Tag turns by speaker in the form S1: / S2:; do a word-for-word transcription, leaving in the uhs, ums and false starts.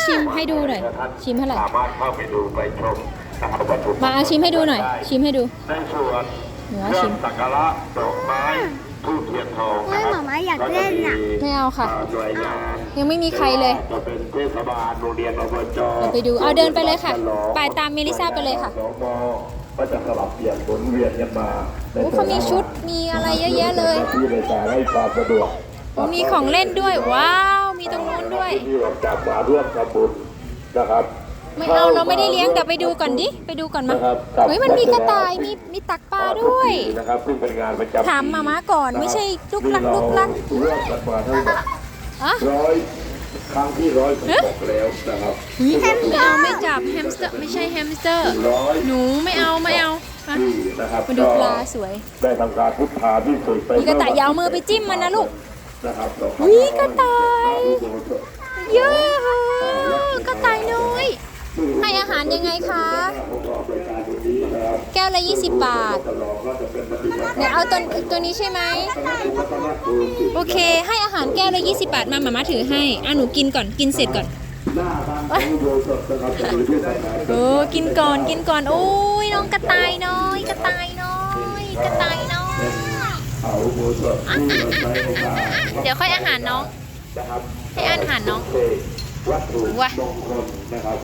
S1: ชิมให้ดูหน่อยชิมเท่าไหร่
S2: สามารถเข้าไปดูไปชมนะครับวัตถุ
S1: มาเอาชิมให้ดูหน่อยชิมให้ดู
S2: ในส่วน
S1: หนู
S2: เค
S1: เอา
S2: รื่อ
S1: ชิ
S2: ง
S1: ม
S2: สักการะดอกไม้ทูบเทียนทอง
S3: เฮ้ยหมาม้าอยากเล่นน่ะ
S1: ไม่เอาค่ะ
S2: หน่วยงาน
S1: ยังไม่มีใครเลย
S2: จะเป็นเทศบาลโรงเรียนอบจ
S1: เราไปดูเอาเดินไปเลยค่ะไปตามเมลิซ่าไปเลยค่ะ
S2: สมก็จะสลับเปลี่ยนหมุนเวียนกันมา
S1: โอ้เขามีชุดมีอะไรเยอะแยะเลย
S2: ที่ในการให้ความสะดวก
S1: โอ้มีของเล่นด้วยว้าวมีตรงนู้นด้วย
S2: ที่เราจับมาร่วมทำบุญนะครับ
S1: ไม่เอาเราไม่ได้เลี้ยงเดี๋ยวไปดูก่อนดิไปดูก่อนมาเฮ้ยมันมีกระต่ายมีมีตักปลาด้วย
S2: นะครับซึ่งเป็นงานประจำ
S1: ถามมาม่าก่อนไม่ใช่ลุกลักลุกลัก
S2: เรื่องกันมาทั้งหมด
S1: อะ
S2: ร้อยครั้งที่ร้อยสิบหกแล้วนะครับ
S1: อุ๊ยไม่เอาไม่จับแฮมสเตอร์ไม่ใช่แฮมสเตอร์
S2: ร้อย
S1: หนูไม่เอาไม่เอามา
S2: ที่นะครับ
S1: มาดูปลาสวย
S2: ได้ทำการพุทธาที่สุดไป
S1: มีกระต่ายอยาวมือไปจิ้มมันนะลูก
S2: นะครับ
S1: อุ๊ยกระต่าย เยอะกระต่ายน้อยให้อาหารยังไงคะแก้วละยี่สิบบาทเนี่ยเอาตัวตัวนี้ใช่ไหมโอเคให้อาหารแก้วละยี่สิบบาทมาหมาม่าถือให้อ่ะหนูกินก่อนกินเสร็จก่อนโอ้กินก่อนกินก่อนโอ้ยน้องกระต่ายน้อยกระต่ายน้อยกระต่ายน้อยเดี๋ยวค่อยอาหารน้องให้อาหารน้อง
S2: วัตถุ
S1: ว้าม
S2: งคลนะครับ